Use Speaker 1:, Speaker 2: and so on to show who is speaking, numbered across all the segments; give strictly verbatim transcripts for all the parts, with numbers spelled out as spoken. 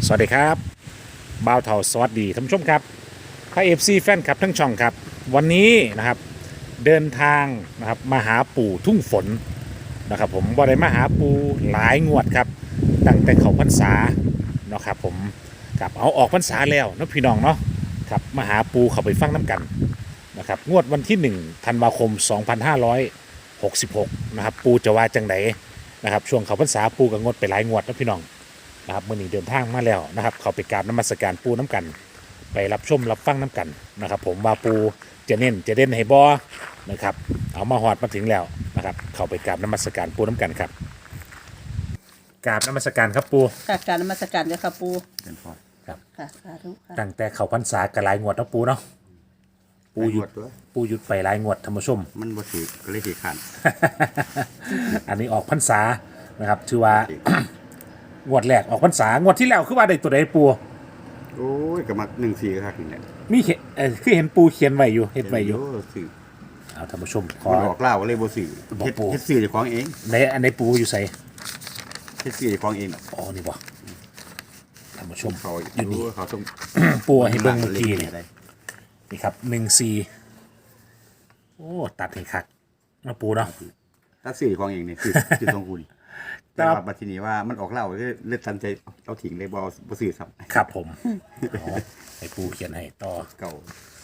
Speaker 1: สวัสดีครับบ่าวเถาสวัสดีท่านผู้ชมครับพระเอฟซีแฟนคลับทั้งช่องครับวันนี้นะครับเดินทางนะครับมาหาปู่ทุ่งฝนนะครับผมบ่ได้มาหาปู่หลายงวดครับตั้งแต่เขาพรรษาเนาะครับผมกับเอาออกพรรษาแล้วเนาะพี่น้องเนาะครับมาหาปู่เขาไปฟังน้ำกันนะครับงวดวันที่หนึ่งธันวาคมสองพันห้าร้อยหกสิบหกนะครับปู่จะว่าจังไหนนะครับช่วงเขาพรรษาปู่ก็งดไปหลายงวดนะพี่น้อง นะครับมื่อนี้เดินทางมาแล้วนะครับเขาไปกราบน้ำมัสการปูน้ำกัน ไปรับชมรับฟังน้ำกันนะครับผมว่าปูจะเน้นจะเด่นให้บอนะครับเอามาหอดมาถึงแล้วนะครับเขาไปกราบน้ำมัสการปูน้ำกันครับกราบน้ำมัสการครับปู
Speaker 2: ค่ะการนมัสการเจ้าค่ะปู
Speaker 3: เป็นพอ
Speaker 1: ครับ
Speaker 2: ค่ะสาธุค่ะ
Speaker 1: ตั้งแต่เขาพรรษากระลายงวดเนาะปูเนาะปูหยุดปูหยุดไปหลายงวดท่านผู้ชม
Speaker 3: มันบ่ถือก็เลยถือขัน
Speaker 1: อันนี้ออกพรรษานะครับถือว่า งวดแรกออกพรรษางวดที่แล้วคือว่าได้ตัวใดปู
Speaker 3: โอ้ยก็มาหนึ่งสี่ก็คักนี่แหละ
Speaker 1: มีเขียนเออคือเห็นปูเขียนไว้อยู่เห็นไว้อยู่
Speaker 3: สื่อ
Speaker 1: เอาท่านผู้ชมขอ
Speaker 3: มันออกเล่าก็เลยบ่สื่อ
Speaker 1: บอก
Speaker 3: เฮ็ด
Speaker 1: ปู่
Speaker 3: เฮ็ดสื่อเจ้าของเอง
Speaker 1: ในอันในปูอยู่ใส่
Speaker 3: เฮ็ดสื่อเจ้าของเอง
Speaker 1: อ๋อนี่บ่ท่านผู้ชม
Speaker 3: เขา
Speaker 1: อยู่นี่
Speaker 3: เขาต้อง
Speaker 1: ปูให้เบิ่งเมื่อกี้นี่นี่ครับหนึ่งสี่โอ้ตัดให้คักนะปูเนาะ
Speaker 3: ถ้าสื่อเจ้าของเองนี่คือคือตรงกูนี่
Speaker 1: ครั
Speaker 3: แต่
Speaker 1: บ
Speaker 3: ว่าบัดทีนี้ว่ามันออกเล่าก็เลยเลือดทันใจเอาทิ้งเลยบ่เอาบ่สื่อซ้ำ
Speaker 1: ครับผมอ๋อให้ปูเขียนให้ต่อ
Speaker 3: เก่า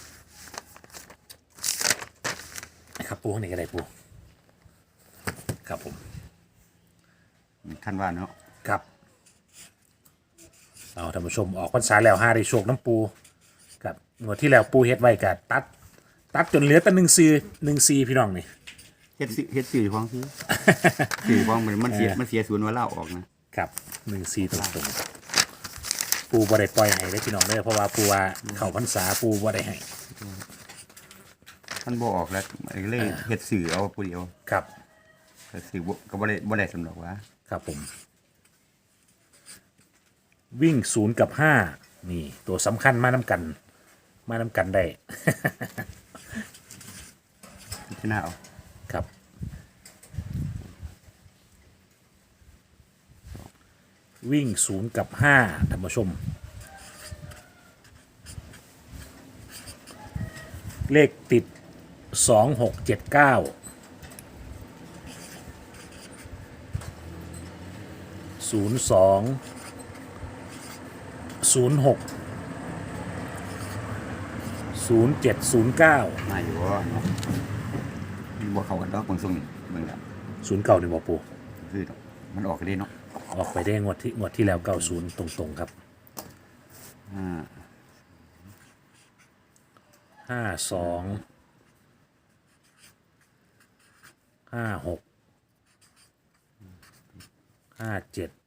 Speaker 1: ครับปูข้างในก็ได้ปูครับผม
Speaker 3: คันว่าเนาะ
Speaker 1: ครับเอาท่านผู้ชมออกพรรษาแล้วห้าได้โชคน้ำปูกับงวดที่แล้วปูเฮ็ดไว้กับตัด ตัดจนเหลือแต่หนึ่งซีหนึ่งซีพี่น้องนี่
Speaker 3: เฮ็ดสื่อเฮ็ดสื่อเจ้าของซื้อสื่อเจ้าของมันมันเสียมันเสียศูนย์ว่าเล่าออกนะครับ
Speaker 1: หนึ่งซีตรงๆปูบ่ได้ปล่อยให้ได้พี่น้องเด้อเพราะว่าปูว่าเข้าพรรษาปูบ่ได้ให้
Speaker 3: มันบ่ออกแล้วเลยเฮ็ดสื่อเอาผู้เดียว
Speaker 1: ครับ
Speaker 3: ก็สื่อบ่ก็บ่ได้บ่ได้สำหรับว่า
Speaker 1: ครับผมวิ่งศูนย์กับห้านี่ตัวสำคัญมาน้ำกัน มาน้ำกันได้
Speaker 3: ที่หน้าเอา
Speaker 1: ครับวิ่งศูนย์กับห้าท่านผู้ชม เลขติดสองหกเจ็ดเก้าศูนย์สองศูนย์หกศูนย์เจ็ดศูนย์เก้า
Speaker 3: มาอยู่ว่าเนาะมันบ่เข้ากันดอกบางทรงนี่เบิ่งแล้ว
Speaker 1: ศูนย์เก้าหนึ่งบอปู
Speaker 3: คือดอกมันออกกันได้เนาะ
Speaker 1: ออกไปได้งวดที่งวดที่แล้วเก้าศูนย์ตรงๆครับ
Speaker 3: อ่า
Speaker 1: ห้าสองห้าหกห้าเจ็ด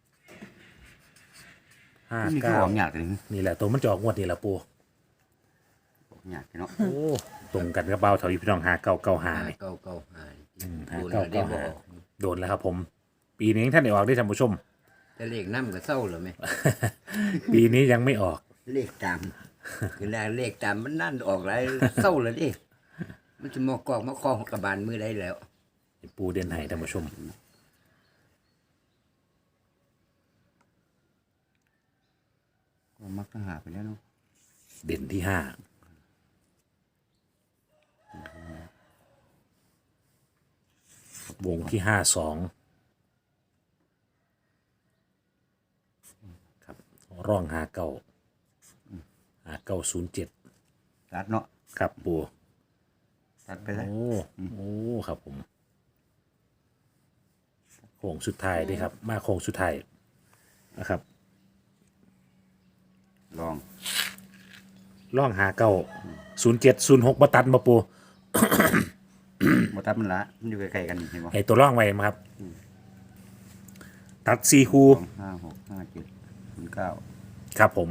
Speaker 1: ห้า
Speaker 3: นี่คือ
Speaker 1: เก้า
Speaker 3: ออกยากเลย
Speaker 1: นี่แหละตัวมันจะออกงวดนี่แหละปู
Speaker 3: ออกยากเนาะ
Speaker 1: โอ้ตรงกันกับเบาเถาอยู่พี่น้องหาเก้าเก้าหานี่
Speaker 4: เก้าเก้าหา
Speaker 1: หา
Speaker 4: ดูแล
Speaker 1: เก้า
Speaker 4: ได้
Speaker 1: เก้า
Speaker 4: บ
Speaker 1: หา
Speaker 4: อก
Speaker 1: โดนแล้วครับผม ปีนี้ท่านได้ออกได้ท่านผู้ชม
Speaker 4: จะเลขน้ำกับเศร้าเหรอไหม
Speaker 1: ปีนี้ยังไม่ออก
Speaker 4: เลขตามคือแรกเลขตามมันนั่นออกไรเศร้าเลยดิมันจะมอกอกมาคล้องกับบานมือได้แล้ว
Speaker 1: ปูเด่นให้ท่านผู้ชม
Speaker 3: ก็มักจะหาไปแล้วเนาะ
Speaker 1: เด่นที่ห้า วงที่ห้าสองครับร่องหาเก้าหาเก้าศูนย์เจ็ด
Speaker 3: ตัดเนาะ
Speaker 1: ครับปู
Speaker 3: ตัดไปเลย
Speaker 1: โอ้โอ้ครับผมโค้งสุดท้ายด้วยครับ มาโค้งสุดท้ายนะครับ
Speaker 3: ลอง
Speaker 1: ร่องหาเก้าศูนย์เจ็ดศูนย์หกมาตัดมาปู
Speaker 3: บ่ตัดมันละมันอยู่ใกล้ๆกันเห็นบ่
Speaker 1: ให้ตัวร่องไว้มาครับ ตัดซีคู
Speaker 3: สองห้าหกห้าเจ็ดศูนย์เก้า
Speaker 1: ครับผม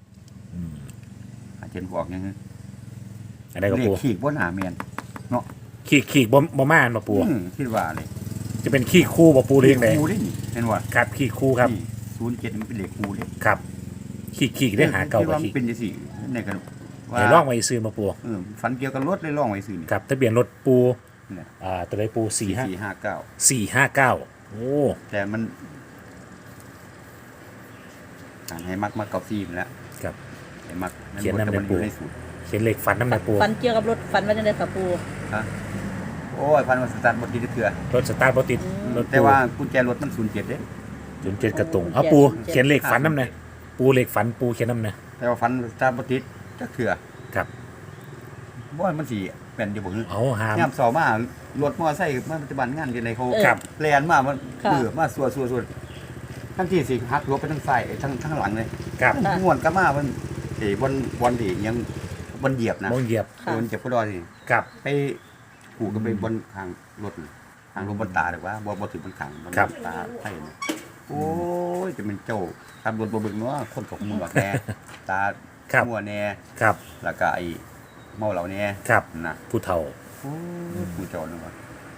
Speaker 3: อาเจนบอกยังไง
Speaker 1: อะไรกับ
Speaker 3: เลข
Speaker 1: ปู
Speaker 3: ขีดบ่หนาเมียนเนาะ
Speaker 1: ขีกขีกบ่บ่ม่านมาปู
Speaker 3: อืมคิดว่าเลย
Speaker 1: จะเป็นขี้คู่บ่ปูเรียงได
Speaker 3: คูได้นี่เห็นว่า
Speaker 1: ครับขี้คู่ครับ
Speaker 3: ศูนย์เจ็ดมันเป็นเลขคูเลย
Speaker 1: ครับขี้ขี้ได้หาเก่า
Speaker 3: คิด
Speaker 1: กว่า
Speaker 3: ว่ามั
Speaker 1: ขี้
Speaker 3: นเป็นจังซี่ในกันว่า
Speaker 1: ให้ร่องไว้ซื้อมาปู
Speaker 3: เออฝันเกี่ยวกับรถเลยลองไว้ซื้อนี่
Speaker 1: ครับทะเบียนรถปู
Speaker 3: เนี่ย
Speaker 1: อ่าตัวใดปูสี่ห้า
Speaker 3: สี่ห้าเก้า
Speaker 1: สี่ห้าเก้าโอ้
Speaker 3: แต่มันให้มักมักเก้าสี่มันแล้ว
Speaker 1: ครับ
Speaker 3: ให้มัก
Speaker 1: เขียนนำใน
Speaker 3: มัอ
Speaker 1: ปู
Speaker 3: ยู่ในสูตร
Speaker 1: เขียนเลขฝันน้ำในปู
Speaker 2: ฟันเกี่ยวกับรถฟันว่าจะได้ค่ะปู
Speaker 3: ฮะโอ้ยพันวันสตาร์ทบ่ติดเถื่อ
Speaker 1: รถสตาร์ทบ่ติดรถ
Speaker 3: แต่
Speaker 1: ปู
Speaker 3: ว่ากุญแจรถมันศูนย์เจ็ดเด้
Speaker 1: จุนเจ็ดกระตุงเอาปูเขียนเลขฝันน้ำในปูเลขฝันปูเขียนน้ำใน
Speaker 3: แต่ว่าฟันสตาร์ทบ่ติดจักเถื่อ
Speaker 1: ครับ
Speaker 3: บ่ว่ามันสิแม่นอยู่บ่ฮึ
Speaker 1: เอาหาม
Speaker 3: ยามเสามารถมอไซค์มาปัจจุบันงานกันในเขา
Speaker 1: ครับ
Speaker 3: แลนมามันเบือมาสัวสัวสัวทั้งที่สิหักรถไปทั้งซ้ายทั้งทั้งหลังเลย
Speaker 1: ครับ
Speaker 3: ม่วนกลับมามันเอ้บนบนที่ยังบนเหยียบนะ
Speaker 1: มองเหยียบ
Speaker 2: ค่ะ
Speaker 3: บนเจ็บพอดอนี่
Speaker 1: ครับ
Speaker 3: ไปผูกกันไปบนทางรถน่ะทางรถบนตาหรือว่าบ่บ่ถึงบนขังบน
Speaker 1: ครับ
Speaker 3: ตาไทยนะโอ้ยจะเป็นเจ้าขับรถบ่เบิ่งเนาะคนตกมือแน่ตา
Speaker 1: ครับ
Speaker 3: มัวแน่
Speaker 1: ครับ
Speaker 3: แล้วก็ไอ้เมาเหล่าแน่
Speaker 1: ครับ
Speaker 3: นะ
Speaker 1: ผู้เฒ่า
Speaker 3: โอ้ยผู้เจ้านึกว่า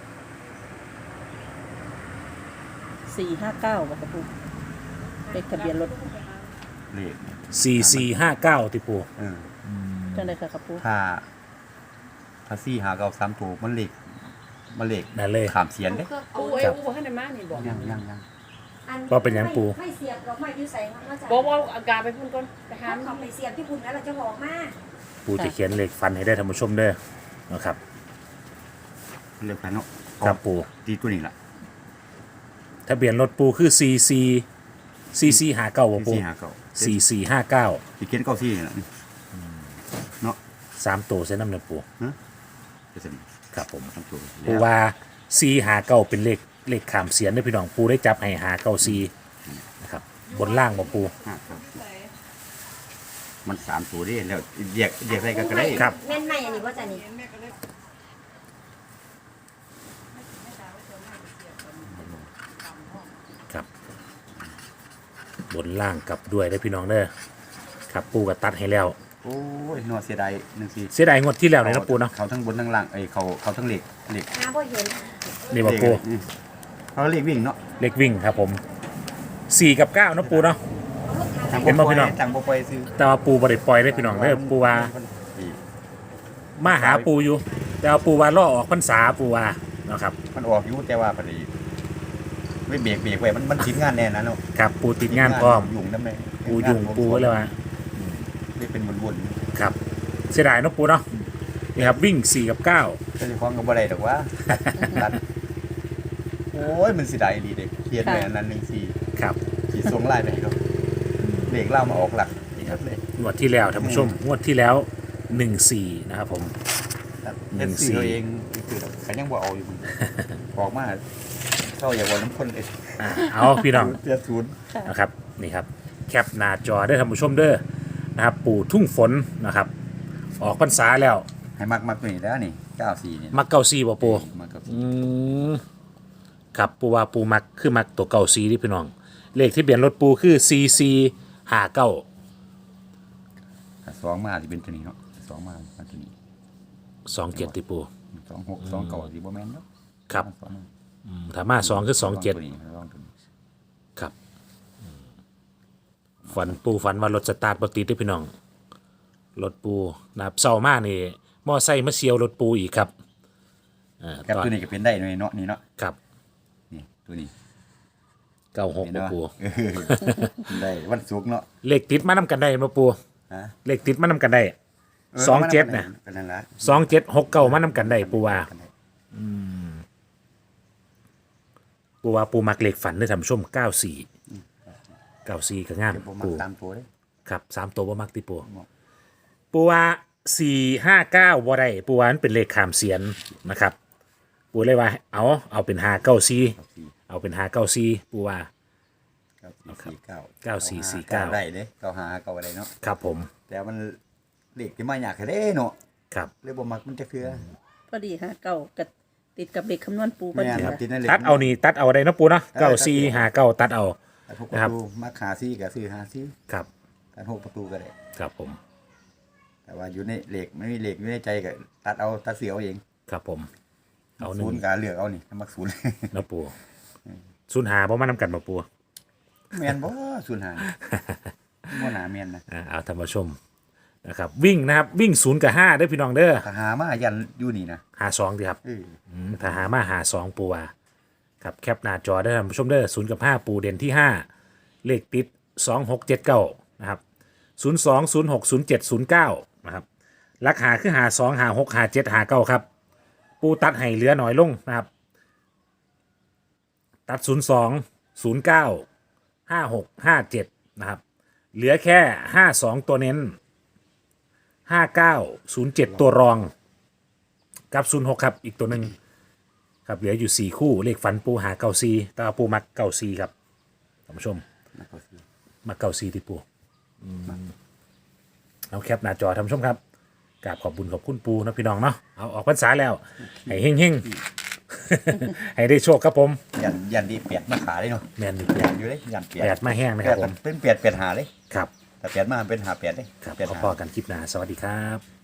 Speaker 2: สี่ห้าเก้าค่ะปูเลขทะเบียนรถ
Speaker 3: เลขเนี่ย
Speaker 1: สี่สี่ห้าเก้าที่ปู
Speaker 3: เออ
Speaker 2: จังได้ค่ะปู
Speaker 3: ถ้าถ้าสี่หาเก้าสามตัวมันเลขมันเลข
Speaker 1: นั่นเลย
Speaker 3: ขามเสียนเด้
Speaker 5: ปูเอ้ยปูบ่ทันได้มานี่บอก
Speaker 3: ยังยังยัง
Speaker 1: ก็เป็นหยังปู
Speaker 6: ไม่เสียบหรอกไม่ยืดใส่มาจาก
Speaker 5: บอกว่าอาการไปพุ่นก่อนไปหา
Speaker 6: ถ้าเขาไปเสียบที่พุ่นแล้วเราจะหอกมา
Speaker 1: ปูจะเขียนเลขฝันให้ได้ท่านผู้ชมเด้อนะครับ
Speaker 3: เรียกกันเนาะ
Speaker 1: ครับปู
Speaker 3: ตีตัวนี้ล่ะ
Speaker 1: ทะเบียนรถปูคือสี่สี่สี่สี่ห้าเก้าปู
Speaker 3: สี่หาเก้า
Speaker 1: สี่สี่ห้าเก้า
Speaker 3: ตีเขียนเก้าสี่นี่ล่ะเนาะ
Speaker 1: สามตัวเส้นน้ำเนื้อปู
Speaker 3: จะสิ
Speaker 1: ครับผม
Speaker 3: สามตัว
Speaker 1: ปูว่าสี่หาเก้าเป็นเลขเลขขามเสียนได้อพี่น้องปูได้จับให้หาเก้าสี่นะครับบนล่างบ่ปู
Speaker 3: ห้าเก้าสี่มันสามตัวเด้แล้วแยกแยกอะไรกันก็ได้
Speaker 1: ครับ
Speaker 6: แม่นไหมอันนี้ว่าจะนี่
Speaker 1: ครับ บนล่างกลับด้วยได้อพี่น้องเด้อครับปูก็ตัดให้แล้ว
Speaker 3: โอ้ยนอเสียดายหนึ่งสี่
Speaker 1: เสียดายงวดที่แล้วเลยนะปูเนาะ
Speaker 3: เขาทั้งบนทั้งล่างไอ้เขาเขาทั้งเหล็กเหล็ก
Speaker 6: น้าบ่เห็น
Speaker 1: นี่บ่ปู
Speaker 3: อืมเขาเหล็กวิ่งเนาะ
Speaker 1: เลขวิ่งครับผมสี่กับเก้าเนาะปูเนาะ
Speaker 3: ทาง
Speaker 1: เห็นบ่พี่น้อง
Speaker 3: ทางบ่ปล่อยซื้อ
Speaker 1: แต่ว่าปูบ่ได้ปล่อยได้อพี่น้องเด้อปูว่ามาหาปูอยู่ แต่ว่าปูว่าล่อออกพรรษาปูว่านะครับ
Speaker 3: มันออกอยู่แต่ว่าพอดีไม่เบรกเบรกไว้มันมันทิ้งงานแน่นะเนาะ
Speaker 1: ครับปูติดงานพร้อม
Speaker 3: ยุ่งน้ำเลย
Speaker 1: ปูยุ่งปูไว้แล้วว่า
Speaker 3: นี่เป็นวน
Speaker 1: ครับเสียดายเนาะปูเนาะนี่ครับวิ่งสี่กับเก้า
Speaker 3: ๆเจ้าของก็บ่ได้ดอกว่าตัดโอ้ยมันสิได้ดีเด็กเขียนไว้อันนั้นหนึ่งสี่
Speaker 1: ครับ
Speaker 3: สี่ส่งไล่ไปให้เขาเด็กเล่ามาออกหลักอีกครับเลย
Speaker 1: งวดที่แล้วท่านผู้ชมงวดที่แล้วหนึ่งสี่นะครับผม หนึ่
Speaker 3: เป็น
Speaker 1: งสี่
Speaker 3: สื่อเองคือเขายังบ่เอาอยู่ออกมาเข้าอย่าบอกน้ำคนเลย
Speaker 1: อ่าเอาพี่น้อง
Speaker 3: เสียศูนย์
Speaker 1: นะครับนี่ครับแคปหน้าจอได้อท่านผู้ชมเด้อนะครับปู่ทุ่งฝนนะครับ ออกพรรษาแล้ว
Speaker 3: ให้มักมักตัวนี้แล้วนี่เก้าสี่นี่
Speaker 1: มักเก้าซีบ่ปู
Speaker 3: มักเก้าสี่
Speaker 1: อืมครับปูว่าปูมักคือมักตัวเก้าซีที่พี่น้อง เลขที่เบียนรถปูคือซีซีห้าเก้า
Speaker 3: ถ้าสองมาจะเป็นตัวนี้เนาะสองมามาตัวนี้
Speaker 1: สองเจ็ดที่ปู
Speaker 3: สองหกสองเก้าสี่บ่แม่นเนาะ
Speaker 1: ครับ
Speaker 3: สอง
Speaker 1: อืมถ้ามาสองคือสองเจ็ด
Speaker 3: ตัวนี้สองตัวนี้
Speaker 1: ครับอืมฝันปูฝันว่ารถสตาร์ทบ่ติดเด้อพี่น้องรถปูนะครับเศร้ามากนี่มอไซค์มาเสียวรถปูอีกครับอ่า
Speaker 3: ครับ
Speaker 1: ตอน
Speaker 3: ตัวนี้ก็เป็นได้หน่อยเนาะนี่เนาะ
Speaker 1: ครับ
Speaker 3: นี่ตัวนี้
Speaker 1: เก้าหก
Speaker 3: เห็น
Speaker 1: บ่
Speaker 3: เนาะ
Speaker 1: ปู
Speaker 3: เออได้วันศุกร์เนาะ
Speaker 1: เลขติดมานำกันได้บ่ปู
Speaker 3: ฮะ
Speaker 1: เลขติดมานำกันได้ สองเจ็ดน่ะ
Speaker 3: ก็นั่นละ
Speaker 1: สองเจ็ดหกเก้ามานำกันได้ปูว่าปูว่าปูมักเลขฝันได้อท่านผู้ชมเก้าสี่เก้าสี่ก็งาม
Speaker 3: เดี๋ยวผมมา
Speaker 1: ปู
Speaker 3: ตามตัวเลย
Speaker 1: ครับสามตัวบ่มักติปู
Speaker 3: บ่
Speaker 1: ปูว่าสี่ห้าเก้าบ่ได้ปูว่ามันเป็นเลขขามเสียนนะครับ ปูเลยว่าเอาเอาเป็นห้าเก้าสี่
Speaker 3: เก้าสี่
Speaker 1: เอาเป็นห้าเก้าสี่ปูว่า
Speaker 3: เก้าสี่สี่เก้า
Speaker 1: เก้าสี่สี่เก้า
Speaker 3: ได้เด้เก้าหาเก้าอะไรเนาะ
Speaker 1: ครับผม
Speaker 3: แต่มันเลขที่มาอยากให้เด้เนาะ
Speaker 1: ครับ
Speaker 3: เลยบ่มักมันจะคือ
Speaker 2: พอดีห้าเก้ากับติดกับเด็กคำนวณปูพอ
Speaker 3: แม่
Speaker 2: ดี
Speaker 3: นครับ
Speaker 2: ค่ะ
Speaker 3: ติดนั่นเลข
Speaker 1: ตัดเอานี่ตัดเอาได้เนาะปูเนาะเก้าสี่ห้าเก้าตัดเอา
Speaker 3: ตัดหกป
Speaker 1: นะครับ
Speaker 3: ระตูมักหาซี่ก็ซื้อหาซี่
Speaker 1: ครับ
Speaker 3: ตัดหกประตูก็ได้
Speaker 1: ครับผม
Speaker 3: แต่ว่าอยู่ในเลขไม่มีเลขอยู่ในใจก็ตัดเอาตัดเสียเอาเอง
Speaker 1: ครับผม เอาหนึ่
Speaker 3: ศู
Speaker 1: ง
Speaker 3: นย์ก็เลือกเอานี่มักศูนย์
Speaker 1: เนาะปูศูนย์หาบ่มานำกันบ่ปู
Speaker 3: แม่นบ่ศูนย์หาบ่หนาแม่นนะ
Speaker 1: อ่าเอาท่านผู้ชมนะครับวิ่งนะครับวิ่งศูนย์กับห้าเด้อพี่น้องเด้อ
Speaker 3: ถ้าหามายันอยู่นี่นะ
Speaker 1: หาสองดีครับ
Speaker 3: เออ
Speaker 1: อืมถ้าหามาหาสองปูว่าครับแคปหน้าจอได้อท่านผู้ชมเด้อศูนย์กับห้าปูเด่นที่ห้าเลขติดสองหกเจ็ดเก้านะครับศูนย์สองศูนย์หกศูนย์เจ็ดศูนย์เก้านะครับลักหาคือหาสองหาหกหาเจ็ดหาเก้าครับปูตัดให้เหลือหน่อยลงนะครับตัดศูนย์สองศูนย์เก้าห้าหกห้าเจ็ดนะครับเหลือแค่ห้าสองตัวเน้นห้าเก้าศูนย์เจ็ดตัวรองกับศูนย์หกครับอีกตัวหนึ่งครับเหลืออยู่สี่คู่เลขฝันปูหาเก้าซีตาปูมักเก้าซีครับท่านผู้ชมมักเก้าซีที่ปูอืมเอาแคปหน้าจอท่านผู้ชมครับกราบขอบบุญขอบคุณปูนะพี่น้องเนาะเอาออกพรรษาแล้วให้เฮงเฮงๆ ให้ได้โชคครับผม
Speaker 3: ยันยันดีเปียดมาขาเลยเนาะ
Speaker 1: แมนนี่
Speaker 3: เปี
Speaker 1: เปี
Speaker 3: ย
Speaker 1: ย
Speaker 3: ด
Speaker 1: ด
Speaker 3: อยู่เลยยันเปียด
Speaker 1: แปดมาแห้งนะค
Speaker 3: เปีย
Speaker 1: รับ
Speaker 3: ด
Speaker 1: ผม
Speaker 3: เป็นเปียดเปียดหาเลย
Speaker 1: ครับ
Speaker 3: แต่เปียดมาเป็นหาเปียดเลย
Speaker 1: ครับ
Speaker 3: เปียด
Speaker 1: ขอ
Speaker 3: หา
Speaker 1: พอกันคลิปหน้าสวัสดีครับ